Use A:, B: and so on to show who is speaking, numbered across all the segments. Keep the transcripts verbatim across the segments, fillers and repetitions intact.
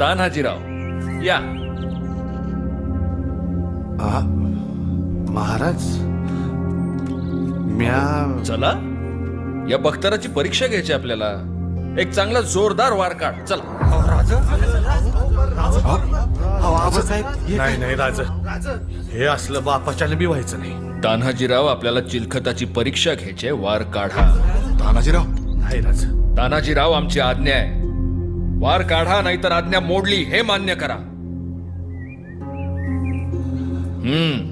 A: तान्हाजीराव या.
B: आ, महाराज म्या
A: चला, या बख्तराची परीक्षा घ्यायची आपल्याला. एक चांगला जोरदार वार काढ. चला.
B: नाही नाही राज, हे असलं बापाच्याने बी व्हायचं नाही.
A: तान्हाजीराव, आपल्याला चिलखताची परीक्षा घ्यायची आहे. वार काढा.
B: तानाजीराव नाही राज.
A: तान्हाजीराव, आमची आज्ञा आहे. वार काढा, नाहीतर आज्ञा मोडली हे मान्य करा. हम्म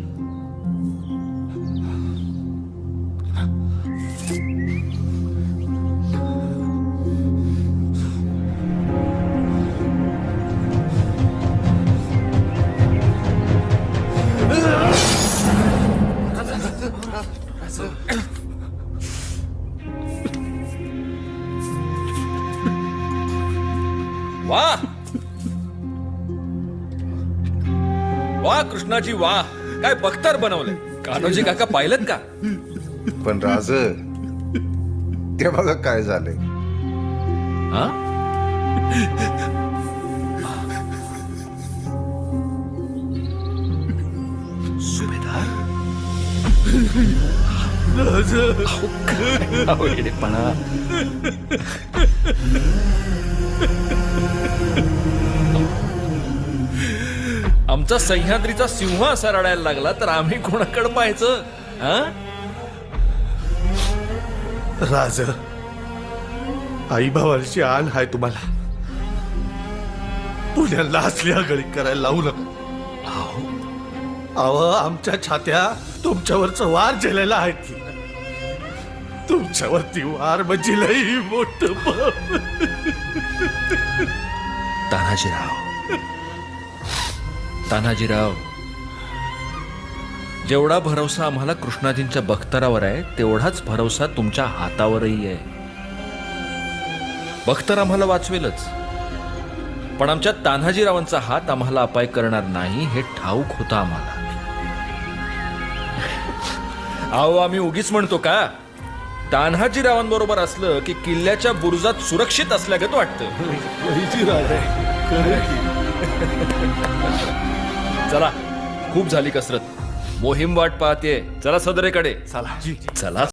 A: वाह वाह कृष्णाजी वाह, काय बख्तर बनवलंय. कान्होजी काका पाहिलं का?
C: पण राज, ते बघा काय झालंय.
A: हा? सुभेदार पण आमचा सह्याद्रीचा सिंह असा रडायला लागला तर आम्ही कोणाकडे पाहायचं?
B: राज, आई भावाची आण हाय तुम्हाला. पुण्याला असली आगळी करायला लावू नका. अहो, आमच्या छात्या तुमच्यावरच वार झेलेला आहे की. तुमच्यावरती वार म्हणजे लई मोठं पाप.
A: तान्हाजीराव, तान्हाजीराव, जेवढा भरोसा आम्हाला कृष्णाजींच्या बख्तरावर आहे तेवढाच भरोसा तुमच्या हातावरही आहे. बख्तर आम्हाला वाचवेलच, पण आमच्या तान्हाजीरावांचा हात आम्हाला अपाय करणार नाही हे ठाऊक होतं आम्हाला. अहो, आम्ही उगीच म्हणतो का? तान्हाजीरावांबरोबर असलं की किल्ल्याच्या बुरुजात सुरक्षित असल्यागत वाटतं. चला, खूप झाली कसरत. मोहीम वाट पाहते. चला सदरेकडे.
B: चला
A: चला.